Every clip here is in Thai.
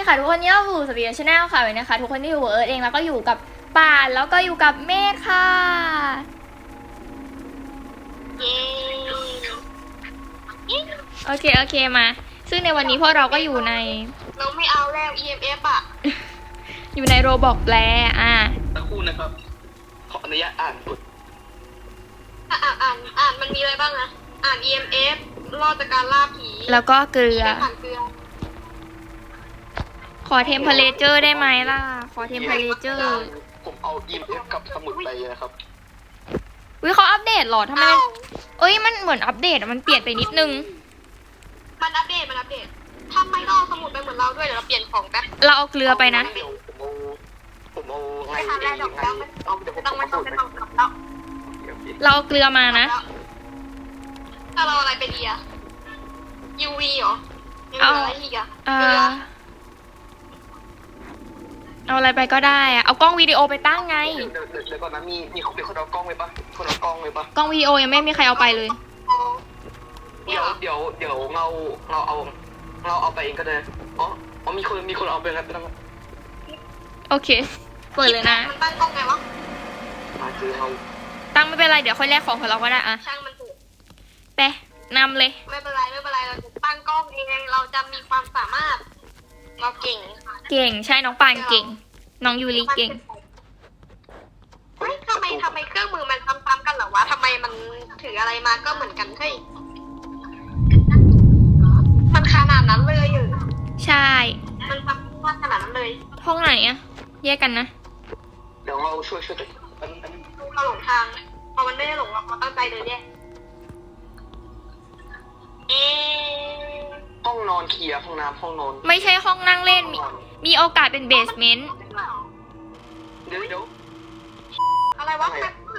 ค่ะทุกคนนี่เราอยู่สปีดชาแนลค่ะวันนี้นะคะทุกคนที่อยู่เอิร์ธเองแล้วก็อยู่กับป่านแล้วก็อยู่กับเมฆค่ะเย้โอเคมาซึ่งในวันนี้พวกเราก็อยู่ในเราไม่เอาแล้ว EMF อ่ะอยู่ในโรบอกแปลสักครู่นะครับขออนุญาตอ่านกฎอ่านมันมีอะไรบ้างนะอ่าน EMF รอดจากการล่าผีแล้วก็เกลือไม่ผ่านเกลือขอเทมเพลเจอร์ได้ไหมล่ะขอเทมเพลเจอร์ผมเอา EMF กับสมุดไปนะครับวิเขาอัปเดตเหรอทำไมเอ้ยมันเหมือนอัปเดตมันเปลี่ยนไปนิดนึงมันอัปเดตทำไมต้องเอาสมุดไปเหมือนเราด้วยเดี๋ยวเราเปลี่ยนของแป๊บเราเอาเกลือไปนะเดี๋ยวผมเอาไงไม่ทำอะไรหรอกแล้วมันเอาเดี๋ยวผมต้องเอาสูตรไม่ไปต้องกลับแล้วเราเอาเกลือมานะถ้าเราอะไรไปดีอะ UV เหรอยังเหลืออะไรอีกอะเอ่เกลือเอาอะไรไปก็ได้อะเอากล้องวิดีโอไปตั้งไงเดี๋ยวก่อนนะมีคนเอากล้องไว้ปะคนเอากล้องไว้ปะกล้องวิดีโอยังไม่มีใครเอาไปเลยเดี๋ยวเราเอาไปเองก็ได้อ๋อมีคนเอาไปแล้วไม่ต้องโอเคเปิดเลยนะมันตั้งกล้องไงวะมาเจอเราตั้งไม่เป็นไรเดี๋ยวค่อยแลกของของเราก็ได้อะช่างมันเถอะไปนำเลยไม่เป็นไรเราจะตั้งกล้องเองเราจะมีความสามารถ เราเก่งเก่งใช่น้องปานเก่ง น้องยูริเก่งเฮ้ยทำไมเครื่องมือมันซ้ำๆกันเหรอวะทำไมมันถืออะไรมาก็เหมือนกันเฮ้ยมันขนาดนั้นเลยอยู่ใช่มันซ้ำขนาดนั้นเลยห้องไหนอะแยกกันนะเดี๋ยวเราช่วยตัวเราหลงทางพอมันไม่ได้หลงเราตั้งใจเดินแยกเอ๊ะห้องนอนเคลียร์ห้องน้ำห้องนอนไม่ใช่ห้องนั่งเล่นมีโอกาสเป็นเบสเมนต์เดี๋ยวอะไรวะ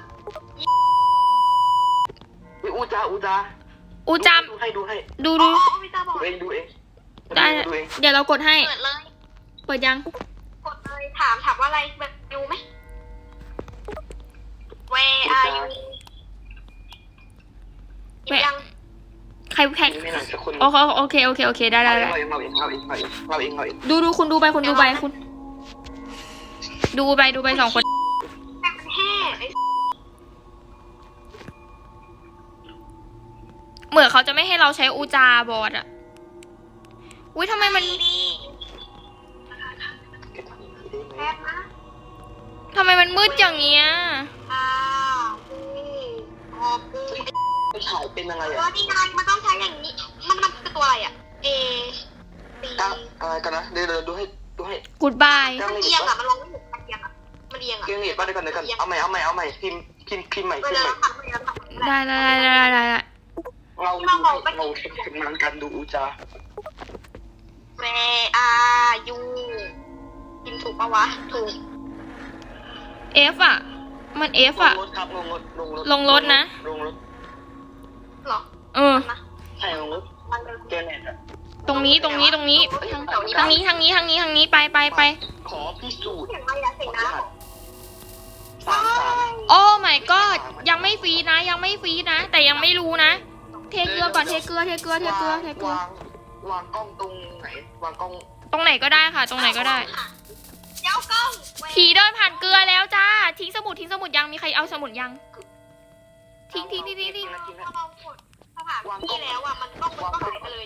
อูจาอูจามดูให้ดูอ๋อวิตาบอกดูเองได้เดี๋ยวเรากดให้เปิดเลยเปิดยังกดเลยถามว่าอะไรแบบดูไหม Where are you ยังใครแข่งไม่หนักสักคนโอเคได้เราเองดูคุณดูไปคุณดูไปคุณดูไปสองคนแต่มันแห่ไอ้เหมือนเขาจะไม่ให้เราใช้อูจาบอร์ดอะอุ้ยทำไมมันดีแป๊บนะทำไมมันมืดอย่างเงี้ยออกกูไม่ถ่ายเป็นอะไรตัวอ่ะนี่ไงมันต้องใช้อย่างนี้ มันคือตัวอะไรอ่ะ A B อะไรกันนะเดี๋ยวดูให้ goodbye มันเอียงอ่ะ มันลงไม่ถึงมันเอียงอ่ะ มันเอียงอ่ะเกียงเหยียดป่ะเดี๋ยวกันเอาใหม่พิมพ์ใหม่เวลาเราทำเราทำได้เราทำงานกันดูอูจา Where are you พิมพ์ถูกปะวะ ถูก F อะมัน F อะลงรถครับลงรถนะลงรถหรอใช่ลงรถเจเน็ตอ่ะตรงนี้ทางนี้ไปขอพิสูจน์เสียงอะไรอะเสียงน้ำ 3 โอ้ my god ยังไม่ฟรีนะแต่ยังไม่รู้นะเทเกลือก่อนเทเกลือวางกล้องตรงไหนวางกล้องตรงไหนก็ได้ค่ะตรงไหนก็ได้เจ้ากล้องผีเดินผ่านเกลือแล้วจ้าทิ้งสมุดยังมีใครเอาสมุดยังทิ้งพอเรากดสถานที่แล้วอ่ะ มันก็หายไปเลย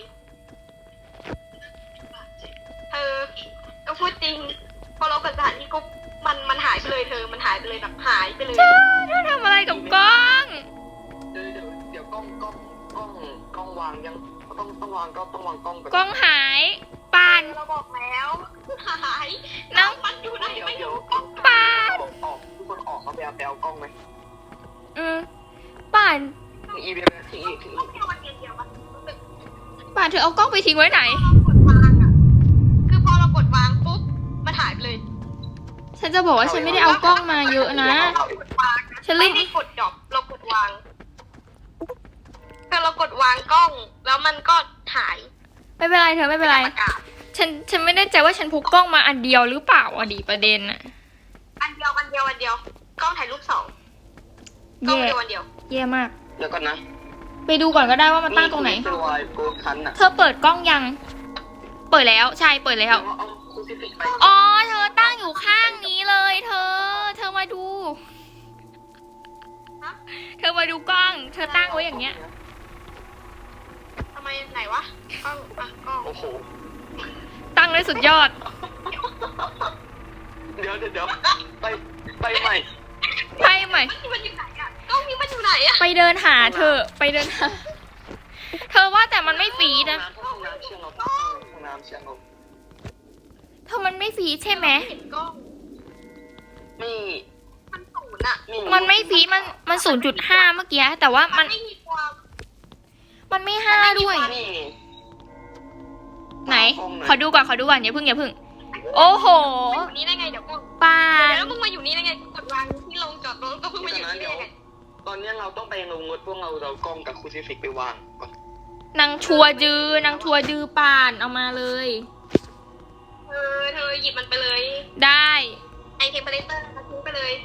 ก็พูดจริง พอเรากดสถานที่ก็มันหายไปเลยมันหายไปเลยแบบหายไปเลยเธอทำอะไรกับกล้องเดี๋ยวกล้องวางยังต้องวางกล้องก่อนกล้องหายปานเราบอกแล้วหายน้องมันอยู่ไหนไม่รู้ปานออกทุกคนออกมาไปเอากล้องไหมป่านทิ้งอีกต้องเที่ยววันเดียวมันป่านเธอเอากล้องไปทิ้งไว้ไหนกดวางอ่ะคือพอเรากดวางปุ๊บมันหายไปเลยฉันจะบอกว่าฉันไม่ได้เอากล้องมาเยอะนะฉันลืไม่มได้กดดอกเรากดวางคือเรากดวางกล้อง แล้วมันก็หายไม่เป็นไรเธอไม่เป็นไรประกาศฉันไม่แน่ใจว่าฉันพกกล้องมาอันเดียวหรือเปล่าอะดีประเด็นอะอันเดียวกล้องถ่ายรูป2กล้องแย่เดียวอันเดียวแย่มากเดี๋ยวก่อนนะไปดูก่อนก็ได้ว่ามันตั้งตรงไหนตัวโกคันอ่ะเธอเปิดกล้องยัง เปิดแล้วใช่เปิดแล้วเอาคูซิฟิกไปอ๋อเธอตั้งอยู่ข้างนี้เลยเธอมาดูฮะเธอมาดูกล้อง เธอตั้งไว้อย่างเงี้ยทำไมไหนวะกล้องอ่ะกล้องโอ้โหตั้งได้สุดยอดเดี๋ยวไปใหม่ไปใหม่มันอยู่ไหนอ่ะกล้องนี้มันอยู่ไหนอ่ะไปเดินหาเธอ ไปเดินหา เธอว่าแต่มันไม่ฟีดนะห้องน้ำเชียงลมห้องน้ำเชียงลมเธอมันไม่ฟีดใช่ไหมเห็นกล้องไม่มันศูนย์อ่ะมันไม่ฟีดมัน0.5เมื่อกี้ แต่ว่ามันไม่มีความมันไม่ห้าด้วยนี่ไหน ขอดูก่อนอย่าเพิ่ง โอ้โหมาอยู่นี่ได้ไงเดี๋ยวกล้องปาเดี๋ยนวแล้วมึงมาอยู่นี่ได้ไงกดวางที่ลงจอดรถก็เพิ่งมาอยู่นี่ได้ไงตอนนี้เราต้องไปลงรถพวกเรากล้องกับคูซิฟิกไปวางก่อนนางทัวร์ดื้อป่านเอามาเลยเธอหยิบมันไปเลยได้ไอเทมเพลเตอร์มาทิ้งไปเลย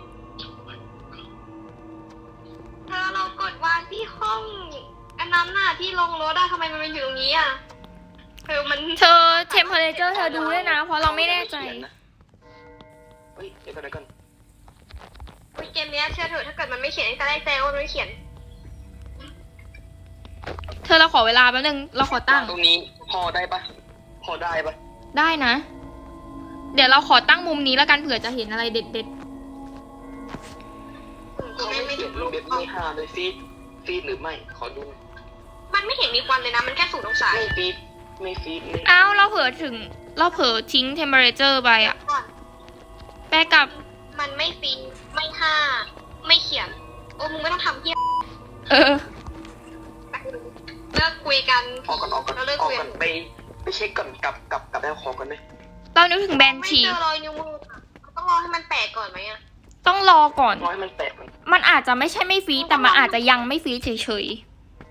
เธอเรากดวางที่ห้องอันนั้นน่ะที่ลงรถอะทำไมมันมาอยู่ตรงนี้อะเธอมันเธอเทมเพลเจอร์เธอดูด้วยนะ เพราะเราไม่แน่ใจเฮ้ยเดี๋ยวก่อนเกมเนี้ยเชื่อเถอะถ้าเกิดมันไม่เขียนตั้งแต่แรกแซงว่ามันไม่เขียนเธอเราขอเวลาแป๊บนึง เราขอตั้งตรงนี้พอได้ปะได้นะ เดี๋ยวเราขอตั้งมุมนี้แล้วกันเผื่อจะเห็นอะไรเด็ดเขาไม่เขียนรูปเด็ดไม่ห้าเลยฟีดหรือไม่ขอดูมันไม่เห็นมีควันเลยนะมันแค่0 องศาไม่ฟีดไม่ๆ อ้าวเราเผลอทิ้งเทมเพลเจอร์ไปอะก่อนแปลกับมันไม่ฟีไม่ห้าไม่เขียนโอ้มึงไม่ต้องทำเพี้ยเออเลิกคุยกันออกก่อนไปเช็คก่อนกับแล้วขอกันเลยเรานึกถึงแบนไม่ชีเจอรอยนิ้วมืออะต้องรอให้มันแตกก่อนไหมอะต้องรอก่อนน้อยมันแตกมันมันอาจจะไม่ใช่ไม่ฟีดแต่มันอาจจะยังไม่ฟีดเฉย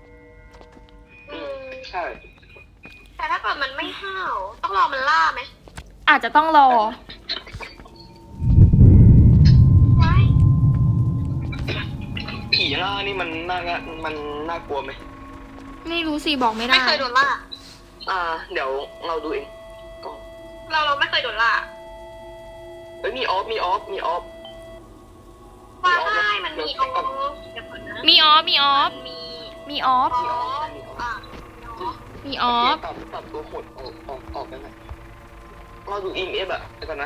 ใช่แต่ถ้าเกิดมันไม่ห้าวต้องรอมันล่าไหมๆ อาจจะต้องรอไว้ผีล่านี่มันน่ากลัวไหมไม่รู้สิบอกไม่ได้ไม่เคยโดนล่าเดี๋ยวเราดูเองก็เราไม่เคยโดนล่าเฮ้ยมีออฟว่าได้มันมีออฟเดี๋ยวก่อนนะมีออฟมีมีออฟ มีออฟตัดตัวหดออกกันนะเราดูEMFอะเดี๋ยวก่อนนะ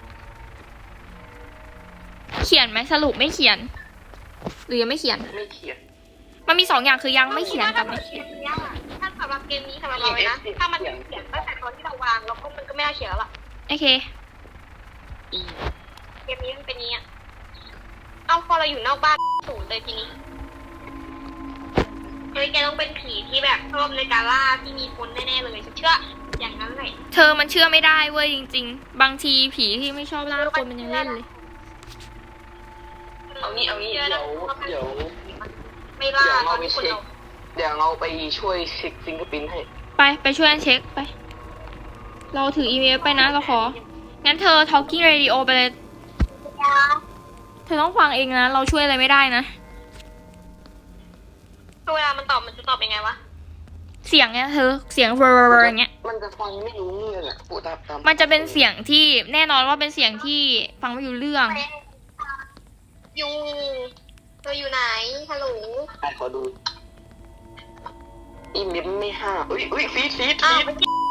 เขียนไหมสรุปไม่เขียน หรือยังไม่เขียนไม่เขียนมันมี2 อย่างคือยังไม่เขียนกับไม่เขียนถ้าสำหรับเกมนี้สำหรับเราเลยนะ ถ้ามันเขียนตั้งแต่ตอนที่เราวางแล้วก็มันก็ไม่น่าเขียนแล้วล่ะโอเคเกมนี้มันเป็นนี้อ่ะเอาพอเราอยู่นอกบ้านศูนย์เลยทีนี้เฮ้ยแกต้องเป็นผีที่แบบชอบในการล่าที่มีคนแน่ๆเลยฉันเชื่ออย่างนั้นเลยเธอมันเชื่อไม่ได้เว้ยจริง ๆ บางทีผีที่ไม่ชอบล่าคนมันยังเล่นเลยเอางี้เดี๋ยวไม่ล่าตอนที่คนเราเดี๋ยวเราไปช่วยเช็คฟิงเกอร์พิ้นให้ไปช่วยกันเช็คไป เราถืออีเมลไปนะเราขอ งั้นเธอ talking radio ไปเลย เธอต้องฟังเองนะ เราช่วยอะไรไม่ได้นะเวลามันตอบมันจะตอบยังไงวะเสียงเนี้ยเธอ เสียงเวอร์อย่างเงี้ยมันจะฟังไม่รู้เรื่องอะพูดตามมันจะเป็นเสียงที่แน่นอนว่าเป็นเสียงที่ฟังไม่รู้เรื่องอยู่เธออยู่ไหนฮัลโหลขอดูEMFไม่ห้าอุ้ยฟีดอ้าว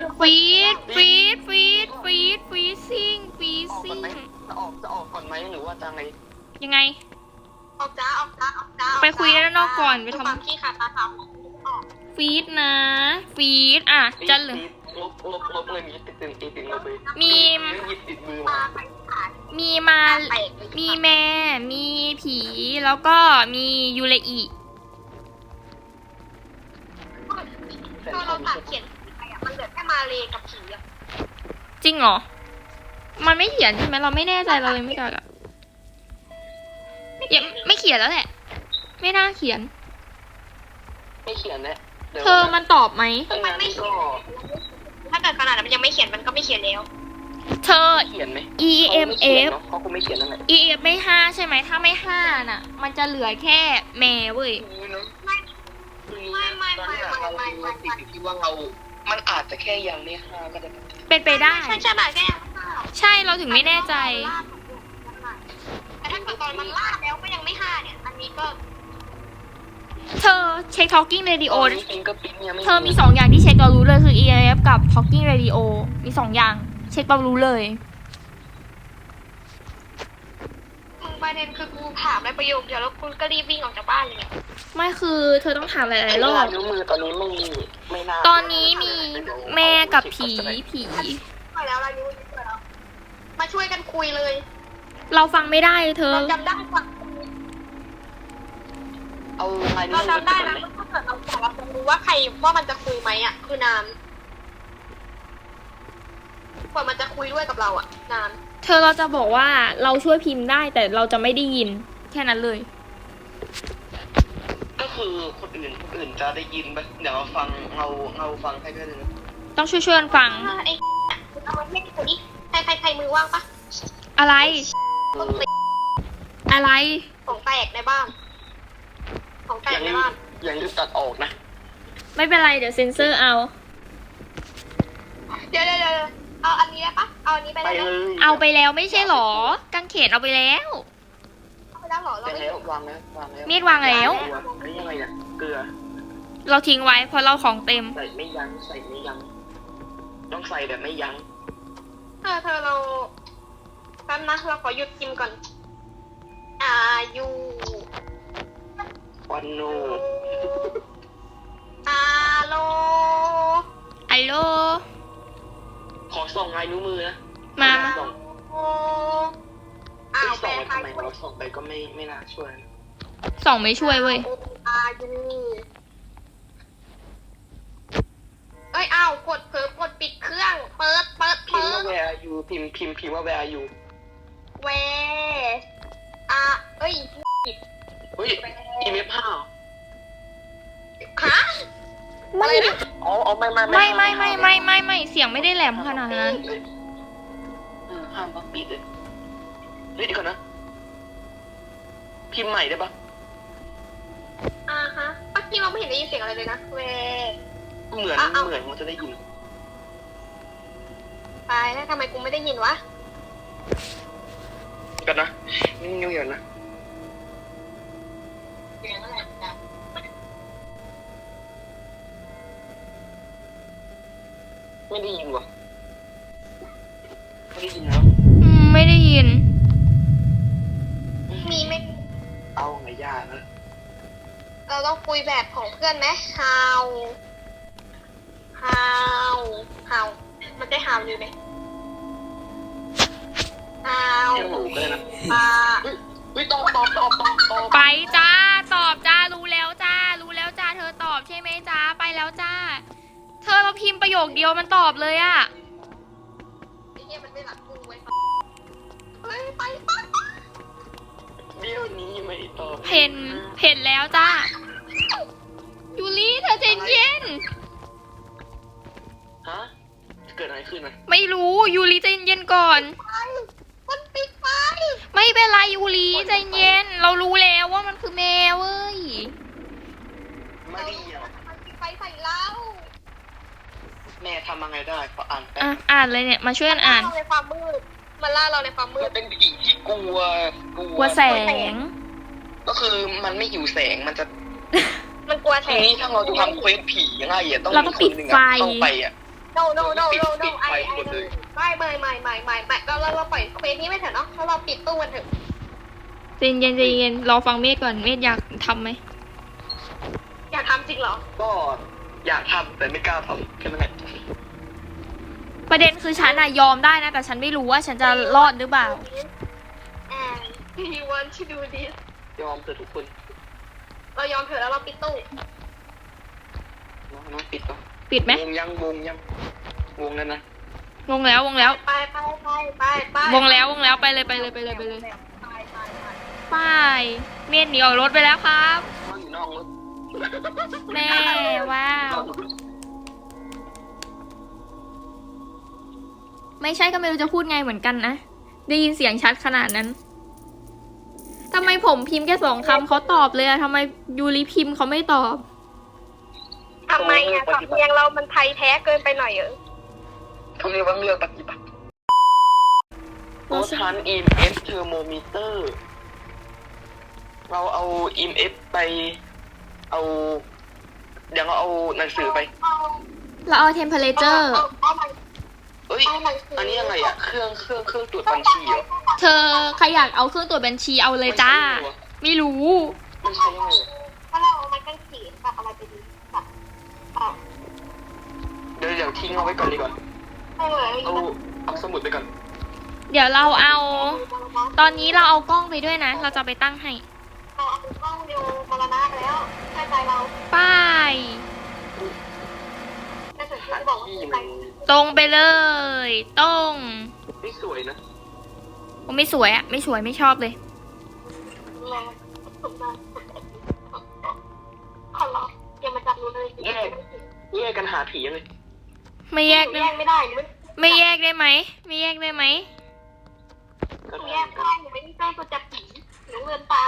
ฟีดซิ่งจะออกก่อนไหมหรือว่าจะไงยังไงออกจ้าไปคุยกันด้านนอกก่อนไปทำความขี้ขาดตาสาวออกฟีดนะฟีดอ่ะจะเหลือลบเลยมีติดลบเลยมีหยิบติดมือตามาไปขาดมีมาแตกเลยมีแม่มีผีแล้วก็มียูเลอีตอนเราตัดเขียนไปอ่ะมันเหลือแค่มาเลกับผีอ่ะจริงเหรอ มันไม่เขียนใช่ไหมเราไม่แน่ใจเราเลยไม่กล้าอะยังไม่เขียนแล้วแหละ ไม่น่าเขียนไม่เขียนแล้วเธอมันตอบไหมมันไม่เขียนถ้าเกิดขนาดนั้นมันยังไม่เขียนมันก็ไม่เขียนแล้วเธอเขียนไหม EMF เขาคงไม่เขียนนั่นแหละ EMF ไม่5ใช่ไหมถ้าไม่5น่ะ มันจะเหลือแค่แม่เว้ยไม่ตอนนี้เราติดอยู่ที่ว่าเรามันอาจจะแค่ยังไม่ฆ่าก็ได้เป็นไปได้ใช่ใช่แบบแค่ยังไม่ฆ่าใช่เราถึงไม่แน่ใจแต่ถ้าเกิดตอนมันล่าแล้วก็ยังไม่ฆ่าเนี่ย อันนี้ก็เธอเช็ค Talking Radio ตอนนี้ฟิงเกอร์พิ้นยังไม่เธอมี2อย่างที่เช็คเรารู้เลยคือ EMF กับ Talking Radio มี2อย่าง เช็คเรารู้เลยมึงประเด็นคือกูถามในประโยคเดียวแล้วกูก็รีบวิ่งออกจากบ้านเลยไม่คือเธอต้องถามหลายๆรอบนิ้วมือตอนนี้ไม่น่าตอนนี้มีแม่กับผีไปแล้วเรารู้ไปแล้วมาช่วยกันคุยเลยเราฟังไม่ได้เธอเราจำได้ว่าเอาไงนิ้วเรามือจำได้นะว่าถ้าเกิดเราบอกเราจะรู้ว่าใครว่ามันจะคุยไหมอ่ะ คือนานกว่ามันจะคุยด้วยกับเราอ่ะนานเธอเราจะบอกว่าเราช่วยพิมพ์ได้แต่เราจะไม่ได้ยิน แค่นั้นเลยก็คือคนอื่นจะได้ยินไหมเดี๋ยวฟังเงาฟังให้ด้วยนะต้องช่วยๆกันฟังไอ้เอามาให้กูดิใครมือว่างปะอะไรต้องติดอะไรของแตกในบ้าน ของแตกในบ้านอย่างที่ตัดออกนะไม่เป็นไรเดี๋ยวเซ็นเซอร์เอาเดี๋ยวเอาอันนี้ได้ปะเอาอันนี้ไปไปได้ไหมเลยเอาไปแล้วไม่ใช่หรอกางเขนเอาไปแล้วเอาไปแล้วเหรอเราไปไม่แล้ววางแล้วมีดวางแล้วนี่ยังไงเนี่ยเกลือเราทิ้งไว้เพราะเราของเต็มใส่ไม่ยั้งต้องใส่แบบไม่ยั้งเธอเราแป๊บนะเราขอหยุดกินก่อนยูวันโนโลอัลโหลขอส่องลายนิ้วมือนะมาส่องโออ้าวแปลส่องไททำยไมเราส่องไปก็ไม่น่าช่วยส่องไม่ช่วยเว้ยยูเอ้ยอ้าวกดเผลอกดปิดเครื่อง เปิดพิมพ์ว่า where are you พิมพ์ว่า where are you เวเอ้ยเฮ้ยอีเมลผ้าฮะไม่อะไรนะอ๋อไม่ไม่เสียงไม่ได้แหลมขนาดนั้นห้ามปิดเลยเฮ้ยเดี๋ยวก่อนนะ พิมพ์ใหม่ได้ปะฮะเมื่อกี้เราไม่เห็นได้ยินเสียงอะไรเลยนะเวเหมือนมันจะได้ยินตายแล้วทำไมกูไม่ได้ยินวะกันนะนิ่งๆอย่างนะเสียงอะไรนะไม่ได้ยินวะไม่ได้ยินแล้วไม่ได้ยินมีไหมเอาไงยากนะเราต้องคุยแบบของเพื่อนไหม how มันได้ how อยู่ไหม how เที่ยวหนูก็ได้นะปลาเฮ้ยตอบไปจ้า ตอบจ้า รู้แล้วจ้า เธอตอบใช่ไหมจ้า ไปแล้วจ้า เธอเราพิมพ์ประโยคเดียวมันตอบเลยอะไอ้เหี้ยมันไม่หลับกูไว้เฮ้ยไปเดี๋ยวนี้ไม่ตอบเห็นแล้วจ้า ยูริเธอใจเย็นฮะเกิดอะไรขึ้นนะไม่รู้ ยูริใจเย็นก่อนมันปิดไฟไม่เป็นไรยูริใจเย็น เรารู้แล้วว่ามันคือแมวเว้ยไม่ดีอ่ะมันปิดไฟใส่เราแม่ทำยังไงได้ขออ่านแป๊อ่ะบอ่านเลยเนี่ย มาช่วยกันอ่านในความมืดมันล่าเราในความมืมัดนเป็นผีที่กลัวกลัวแสงก็คือมันไม่หิวแสงมันจะมันกลัวแสทีงนี้ถ้าเราจะทำเควสผียังไงอ่ะต้องเรามีต้องคปินดหนึ่งไฟอ่ะเข้าไปอ่ะ no ปิดไฟหมดเลยไม่เราปล่อยเควสนี้ไม่เถอะเนาะแล้วเราปิดตู้กันเถอะใจเย็นรอฟังเมธก่อนเมธอยากทำไหมอยากทำจริงเหรอก็อยากทำแต่ไม่กล้าทำแค่นั้นแหละประเด็นคือฉันอะยอมได้นะ แต่ฉันไม่รู้ว่าฉันจะรอดหรือเปล่า and you want to do this ยอมเถอะทุกคนเรายอมเถอะแล้วเราปิดตู้น้องปิดก่อนปิดไหมวงยังวงนั้นนะวงแล้วไปวงแล้วไปเลยไปไปเมธหนีออกรถไปแล้วครับน้องอยู่นอกรถแม่ว้าว ไม่ใช่ก็ไม่รู้จะพูดไงเหมือนกันนะ ได้ยินเสียงชัดขนาดนั้นทำไมผมพิมพ์แค่2 คำเขาตอบเลยอะทำไมยูริพิมพ์เขาไม่ตอบอทำไมอ่ะสำเนียงเรามันไทยแท้เกินไปหน่อยเหรอเขาเรียกว่าเลือกปฏิบัติโอทัน EMF thermometer เราเอา EMF ไปเอาเดี๋ยวเราเอาหนังสือไปเราเอา temperature เอ้ยอันนี้ยังไงอะเครื่องตรวจบัญชีเหรอเธอใครอยากเอาเครื่องตรวจบัญชีเอาเลยจ้า ไม่รู้มันใช้ยังไงอะถ้าเราเอาไม้กางเขนกับอะไรไปดีแบบเดี๋ยวทิ้งเอาไว้ก่อนดีกว่าให้เลยเอาสมุดไปก่อนเดี๋ยวเราเอา ตอนนี้เราเอากล้องไปด้วยนะ เราจะไปตั้งให้เราเอากล้องดูมรณะไปแล้วใช่ใจเราป้ายแต่สุดที่บอกว่าที่ใจมันตรงไปเลย ตรงไม่สวยนะโอ้ไม่สวยอะไม่สวยไม่ชอบเลยแรงสุดมากขอร้องอย่ามาจับหนูเลยแยกกันหาผียังไงไม่แยกแยได้กไม่ได้หนูไม่แยกได้ไหม ไม่แยกได้ไหมก็แยกไม่ได้หนูไม่ได้เจ้าตัวจับผีหนูเดินตาม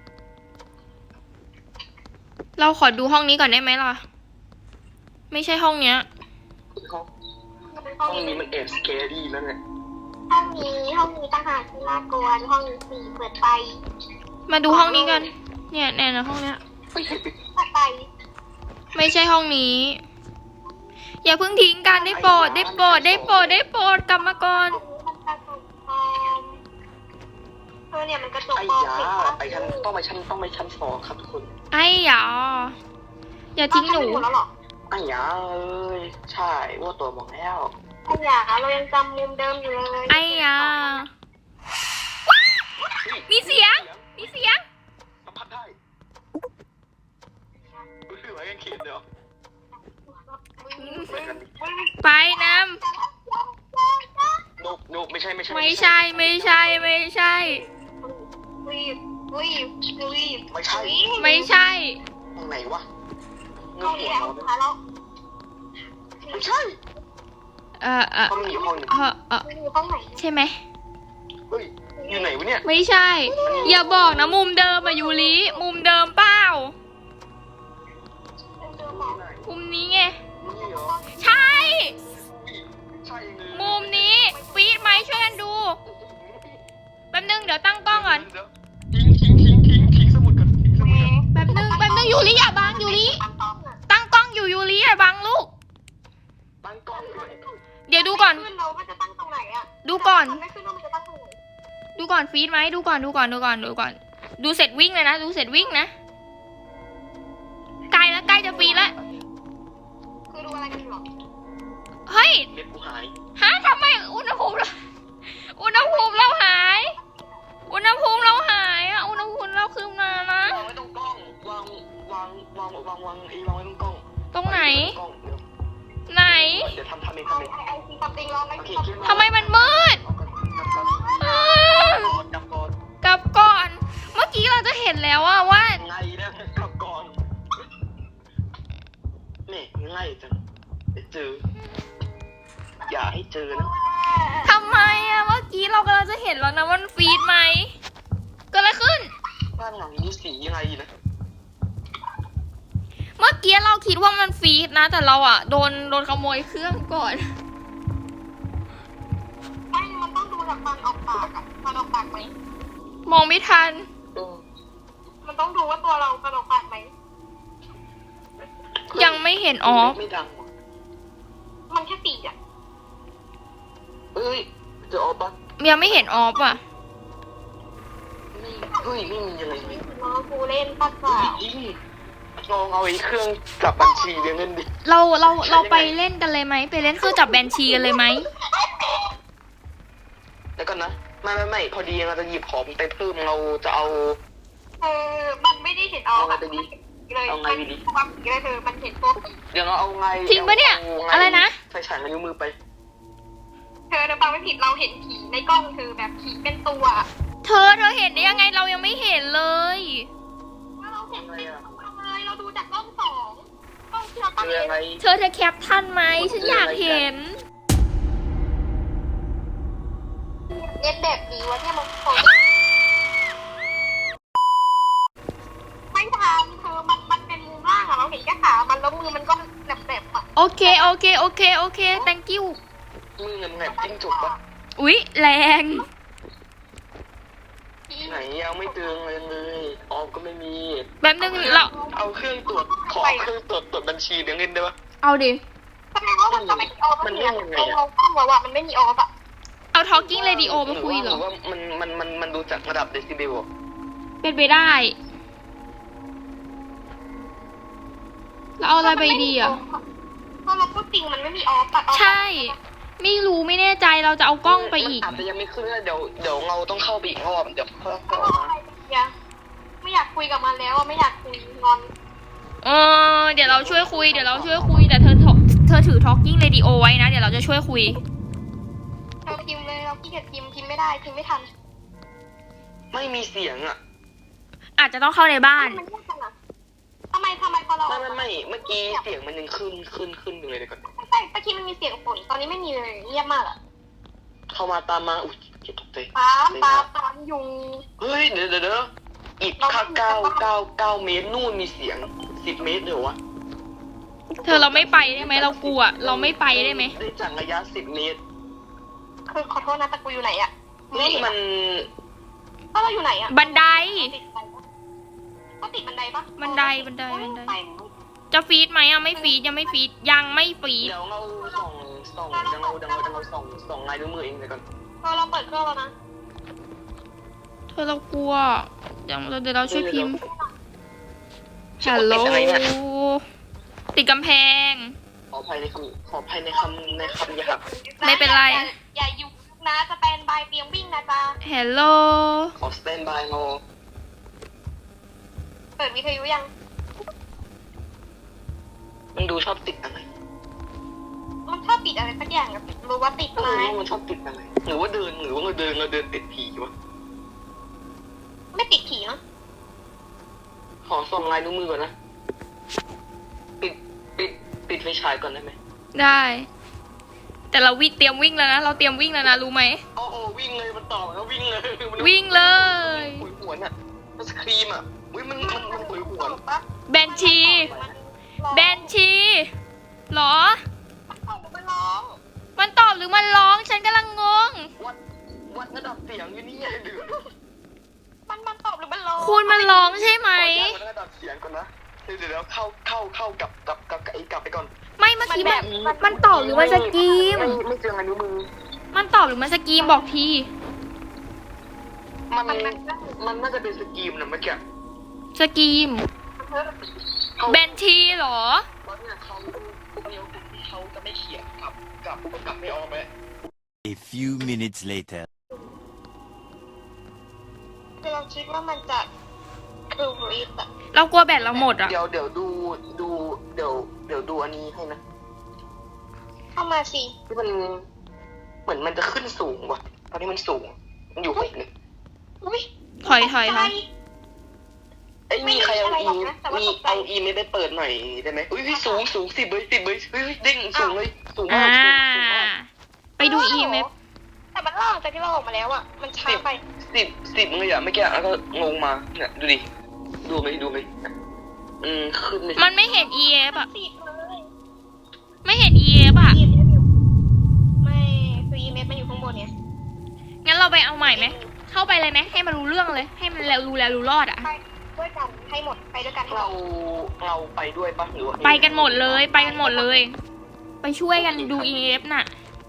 เราขอดูห้องนี้ก่อนได้ไหมล่ะ ไม่ใช่ห้องเนี้ยห้องนี้มันแอบสแกรี่นั่นแหละห้องนี้ต่างหากที่น่ากลัวห้องนี้สี่เปิดไฟมาดูห้องนี้กัน เนี่ยแน่นะห้องเนี้ยเปิดไฟไม่ใช่ห้องนี้ อย่าเพิ่งทิ้งกันได้โปรดได้โปรดได้โปรดได้โปรดกลับมาก่อนมันกระจกปลอมเนี่ยมันกระจกไอ้ปลอมยาไปชั้นต้องไปชั้นสองครับทุกคนไอ้หยาอย่าทิ้งหนูแล้วหรอไอ้ยาเอ้ยใช่ว่าตัวบอกแล้วไอ้หยาเรายังจำมุมเดิมอยู่เลยไอ้หยามีเสียง มีเสียงสัมผัสได้รู้สึกว่ายังเขียนเดี๋ยวไปน้โนไม่ใช่ำไม่ใช่ไม่ใช่ไม่ใช่วีบไม่ใช่ไม่ใช่ตรงไหนวะเงห้องหันี้วแหละเราหาเราไม่ใช่ ห้องนี้อยู่ห้องนึงอยู่ห้องไหนใช่ไหมเฮ้ยอยู่ไหนวะเนี่ยไม่ใช่ อย่าบอกนะมุมเดิมอะยูริมุมเดิมเปล่า มุมนี้ไงนี่เหรอใช่ใช่เลยมุมนี้ฟีดไหมช่วยกันดู แป๊บนึงเดี๋ยวตั้งกล้องก่อนทิ้งสมุดก่อนทิ้งสมุดก่อนแป๊บนึงยูริอย่าบังยูริ ตั้งกล้องอยู่ยูริอย่าบังลูกตั้งกล้องด้วยเดี๋ยวดูก่อนขึ้นเรามันจะตั้งตรงไหนอะดูก่อนไม่ขึ้นเรามันจะตั้งตรงไหนดูก่อนฟีดไหมดูก่อน ดูเสร็จวิ่งเลยนะ ดูเสร็จวิ่งนะ ใกล้แล้วใกล้จะฟีดแล้วคือดูอะไรกันอยู่หรอเฮ้ยเม็ดกูหายฮะทำไมอุณหภูมิเราหาย อุณหภูมิเราหายอะอุณหภูมิเราขึ้นมานะวางไว้ตรงกล้องวางไว้ตรงกล้องตรงไหนกล้องเดี๋ยวไหนเดี๋ยวทำเองไอซีตับติงเราไม่โอเคตับขึ้นทำไมมันมืดเอาก่อนกลับก่อนกลับก่อน เมื่อกี้เราจะเห็นแล้วอะว่าไงนะกลับก่อนนี่ง่ายจังเดี๋ยวเจอ อย่าให้เจอนะทำไมอะเมื่อกี้เรากำลังจะเห็นแล้วนะว่ามันฟีดไหมเกิดอะไรขึ้นบ้านหลังนี้สียังไงนะเมื่อกี้เราคิดว่ามันฟีดนะ แต่เราอะโดนขโมยเครื่องก่อนไม่มันต้องดูจากฟันออกปากอะฟันออกปากไหมมองไม่ทันมันต้องดูว่าตัวเราฟันออกปากไหมยังไม่เห็นออฟไม่ดังว่ะมันแค่ปีอะเฮ้ยจะออกปะยังไม่เห็นออฟอะไม่เฮ้ยไม่มีอะไรเลยน้องกูเล่นปัดเฮ้สายจริงลองเอาไอ้เครื่องจับบัญชีเรียงเล่นดิเราไปเล่นกันเลยไหมไปเล่นเครื่องจับแบนชีกันเลยไหมแล้วก่อนนะไม่พอดีเราจะหยิบของไปเพิ่มเราจะเอามันไม่ได้เห็นออกเลยมันความผีเลยมันเห็นตัวผีเดี๋ยวเราเอาไงจริงปะเนี่ย อะไรนะใส่ฉายมานิ้วมือไปเธอฟังไม่ผิดเราเห็นผีในกล้องคือแบบผีเป็นตัวเธอเห็นได้ยังไงเรายังไม่เห็นเลยเราเห็นเป็นตัวเลยเราดูจากกล้อง2กล้องที่เราตั้งคืออะไรเธอแคปทันไหมฉันอยากเห็นเย็นแบบนี้วะเนี่ยมันไม่ทำคือมันเป็นมุมล่างอะเราเห็นแค่ขามันแล้วมือมันก็โอเค thank you มือเงินแหนบจิ้งจกปะอุ๊ย แรงไหนยังไม่เตือนเลยออมก็ไม่มีแบบนึงเราเอาเครื่องตรวจขอเครื่องตรวจบัญชีเดี๋ยวเงินได้ปะเอาดิทำไมว่ามันไม่มีออฟมันเนี่ยยังไงเราอะตั้งไว้ว่ามันไม่มีออฟอะเอา talking radio ไปคุยเหรอรือว่ามันดูจากระดับเดซิเบลอะเป็นไปได้ แล้วเอาอะไรไปดีอ่ะเพราะเราพูดจริงมันไม่มีออฟตัดออฟใช่ ไม่รู้ไม่แน่ใจเราจะเอากล้องไปอีกมันอาจจะยังไม่ขึ้นนะเดี๋ยวเราต้องเข้าไปอีกรอบเดี๋ยวเพิ่มเข้ามาไม่อยากคุยกับมันแล้วอะไม่อยากคุยงอนเดี๋ยวเราช่วยคุย แต่เธอถือ talking radio ไว้นะ เดี๋ยวเราจะช่วยคุยเราพิมพ์เลยเราขี้เกียจพิมพ์ไม่ได้พิมพ์ไม่ทันไม่มีเสียงอ่ะอาจจะต้องเข้าในบ้านมันยากจังอะทำไมพอเราไม่เมื่อกี้เสียงมันยังขึ้นอยู่เลยเดี๋ยวก่อนใช่เมื่อกี้มันมีเสียงฝนตอนนี้ไม่มีเลยเงียบมากอะเข้ามาตามมาอุ้ยเจ็บตกใจตามยุงเฮ้ยเดี๋ยวอีกค่า9 เมตรนู่นมีเสียง10 เมตรเดี๋ยววะเธอเราไม่ไปได้ไหมเรากลัว เราไม่ไปได้ไหมได้จากระยะ10 เมตรคือขอโทษนะแต่กูอยู่ไหนอะนี่มันก็เราอยู่ไหนอะบันไดก็ติดบันไดปะบันได จะฟีดไหมอ่ะไม่ฟีดยังไม่ฟีด ยังไม่ฟีดเดี๋ยวเราส่องส่องลายนิ้วมือเองเดี๋ยวก่อนเราเปิดเครื่องแล้วนะเธอเรากลัว เดี๋ยวเราช่วยพิมพ์ ฮัลโหล ติดกำแพงขออภัยในคำหยาบไม่เป็นไรอย่าอยู่นะสแตนบายเตรียมวิ่งนะจ๊ะฮัลโหลขอสแตนบายรอเปิดวิทยุยังมันดูชอบติดอะไรมันชอบติดอะไรสักอย่างอะรู้ว่าติดไหมมันชอบติดอะไรหรือว่าเราเดินติดผีวะไม่ติดผีเนาะขอส่องลายนิ้วมือก่อนนะปิดไฟฉายก่อนได้ไหมได้ แต่เราเตรียมวิ่งแล้วนะ เราเตรียมวิ่งแล้วนะ รู้ไหมโอ้วิ่งเลยมันต่อแล้ววิ่งเลยวิ่งเลยหวยหวนอ่ะมันสครีมอ่ะอุ้ยมันหวยหวนแบนชี แบนชีเหรอมันร้องมันตอบหรือมันร้อง ฉันกำลังงงวัดระดับเสียงอยู่นี่ไงหรือมันตอบหรือมันร้องคุณมันร้องใช่ไหมวัดระดับเสียงก่อนนะเดี๋ยวเข้ากลับไปก่อนไม่เมื่อกี้มันตอบหรือมันสกรีมไม่เจอลายนิ้วมือมันตอบหรือมันสกรีมบอกทีมันน่าจะเป็นสกรีมนะเมื่อกี้สกรีม แบนชีเหรอเพราะเนี่ยเขาจะไม่เขียนกลับไม่ออกไหม A few minutes later. คือเราคิดว่ามันจะคือรีสอะเรากลัวแบตเราหมดอ่ะเดี๋ยวดูอันนี้ให้นะเข้ามาสิที่มันเหมือนมันจะขึ้นสูงว่ะตอนนี้มันสูงมันอยู่ไหนเลยอุ้ยถอยค่ะไอ้มีใครเอาอีไม่ได้เปิดหน่อยได้ไหมอุ้ยสูง10 เลยเด้งสูงเลยสูงมากสูงมากไปดู EMF แต่มันล่างจากที่เราออกมาแล้วอะมันช้าไป 10เลยอะไม่แก่แล้วก็งงมาเนี่ยดูดิดูไหมขึ้นเลยมันไม่เห็น EF อ่ะติดเลยไม่เห็น EF อ่ะไม่คือ EMF มันอยู่ข้างบนเนี่ยงั้นเราไปเอาใหม่ไหม เข้าไปเลยไหม ให้มันรู้เรื่องเลย ให้มันรู้รอดอ่ะไปด้วยกันให้หมดไปด้วยกันเราไปด้วยปะหรือว่าไปกันหมดเลย ไปช่วยกันดู EF น่ะ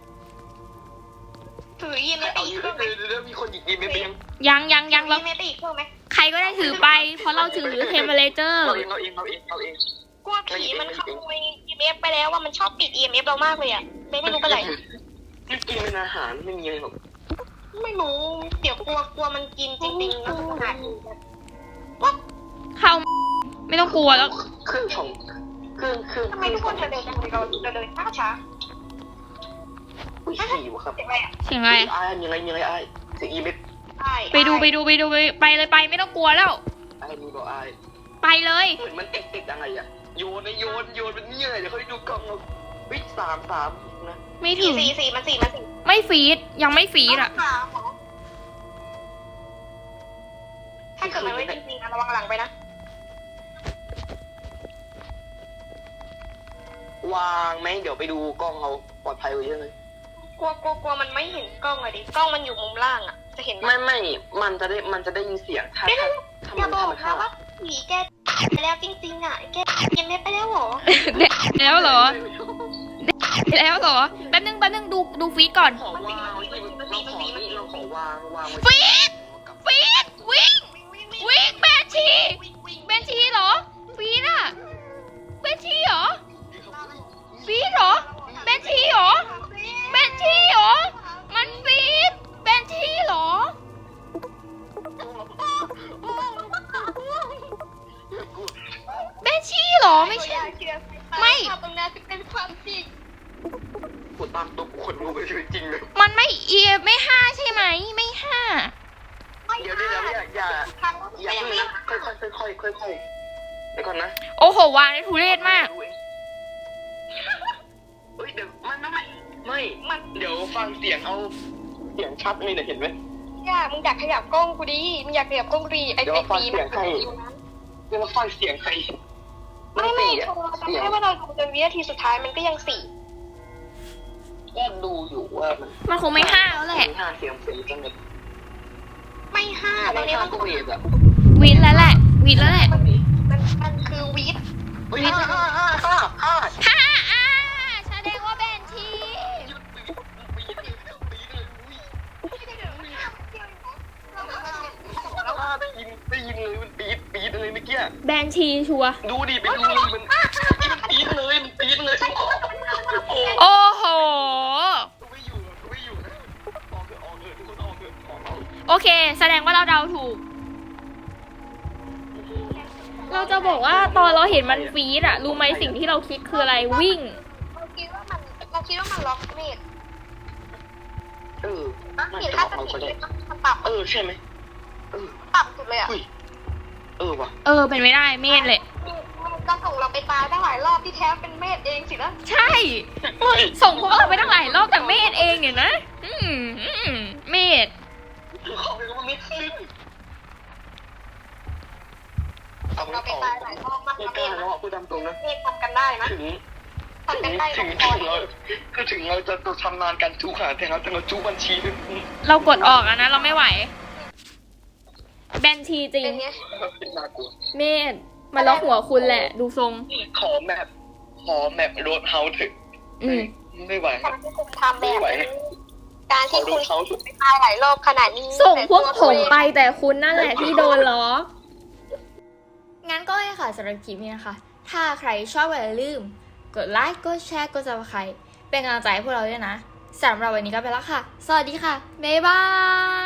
ถือ EMF เอาอีอีกกเครื่องไหมเดี๋ยวมีคนหยิบอีเมลไปยังยังเรา EMF อีกเครื่องไหมใครก็ได้ถือไป เพราะเราถือเทมเพลเจอร์เราเองกลัวผีมันขโมย EMF ไปแล้วว่ามันชอบปิด EMF เรามากเลยอะไม่รู้เป็นไรไม่กินเป็นอาหารไม่มีอะไรหรอกไม่รู้เดี๋ยวกลัวมันกินจริงๆแล้วขนาดนี้เข้าไม่ต้องกลัวแล้วเครื่องของเครื่องทำไมทุกคนเดินจังเลยเราเดินช้าอุ้ยหิวครับเสียงอะไรอะเสียงอะไรอ้ายมีอะไรอ้ายเสียงอีเมลใช่ไปดูไปเลยไปไม่ต้องกลัวแล้วอ้ายมีบอกอ้ายไปเลยเหมือนมันติดอะไรอ่ะโยนเป็นเนี่ยเดี๋ยวเขาได้ดูกล้องเราวิ3นะไม่ถึงสี่มันไม่ฟีดยังไม่ฟีดอ่ะถ้าเกิดมันไม่จริงๆนะระวังหลังไปนะวางไหมเดี๋ยวไปดูกล้องเราปลอดภัยกว่าเยอะเลยกลัวมันไม่เห็นกล้องอะดิกล้องมันอยู่มุมล่างอะจะเห็นไหมไม่มันจะได้ยินเสียงถ้าอย่ามันบอกถ้านะว่าผีแกไปแล้วจริงๆอะแกยังไม่ไปแล้วเหรอแล้วเหรอ แล้วเหรอ แป๊บนึงดูฟีดก่อนขอวางเราขอวางไว้ฟีดวิ่งแบนชีเหรอ ฟีดอะแบนชีเหรอ ฟีดเหรอ แบนชีเหรอ มันฟีดแบนชีเหรอ แบนชีเหรอ ไม่ใช่ ไม่ตรงนั้นเป็นความจริงปวดตามตัวขนลุกไปชีวิตจริงเลยมันไม่ไม่ห้าใช่ไหม ไม่ห้าเดี๋ยวอย่าเพิ่งนะค่อยเดี๋ยวก่อนนะโอ้โห วางได้ทุเรศมากเฮ้ยเดี๋ยวไม่เดี๋ยวฟังเสียงเอาเสียงชัดเลยเนี่ยเห็นไหมมึงอยากขยับกล้องกูดิมึงอยากขยับกล้องกูดิไอ้เดี๋ยวไอ้ฟังปีเสียงใครเดี๋ยวฟังเสียงใครไม่โทรจำได้ว่าเราดูจนวินาทีสุดท้ายมันก็ยังสี่ก็ดูอยู่ว่ามันมันคงไม่ห้าแล้วแหละห้าเสียงจังเลยไม่ห้าตรงนี้มันก็เวทอะวินแล้วแหละมันคือวีดเฮ้ยห้าห้าแสดงว่าแบนทีได้ยินเลยมันปี๊ดเลยเมื่อกี้แบนชีชัวร์ดูดิไปดูเลยมันปี๊ดเลยโอ้โอ้โหไม่อยู่นะออกเถอะทุกคนออกเถอะโอเค แสดงว่าเราเดาถูก เราจะบอกว่าตอนเราเห็นมันฟีดอะรู้ไหมสิ่งที่เราคิดคืออะไรวิ่งเราคิดว่ามันล็อกเมดมันเห็นจะถ้าออกจะเราติก็ดได้มันต่ำใช่ไหมต่ำสุดเลยอ่ะว่ะเป็นไม่ได้เมธเลยจะส่งเราไปตายได้หลายรอบที่แท้เป็นเมดเองสินะใช่ ส่งพวกเราไปตั้งหลายรอบแต่เมธเองเนี่ยนะ เมธเขาเป็นว่าไม่ขึ้นส่งเราไปตายหลายรอบมากไม่นะกล้าแล้วพูดตามตรงนะเมดทำกันได้นะถึงทำกันได้ถึงเราจะชำนาญการจูขาแต่เราจูบัญชีเรากดออกอะนะ เราไม่ไหว แบนชีจริงเป็นไงน่ากลัวเมธมาล็อกหัวคุณแหละ ดูทรงขอแมปโรดเฮาส์เถอะ ไม่ไหวการที่คุณทำแบบนี้การที่คุณเขาถูกไปตายหลายรอบขนาดนี้ส่งพวกผมไปแต่คุณนั่นแหละที่โดนล้อ งั้นก็ให้ค่ะสำหรับคลิปนี้นะคะ ถ้าใครชอบอย่าลืม กดไลค์ กดแชร์ กด Subscribe เป็นกำลังใจให้พวกเราด้วยนะ สำหรับวันนี้ก็ไปแล้วค่ะ สวัสดีค่ะ บ๊ายบาย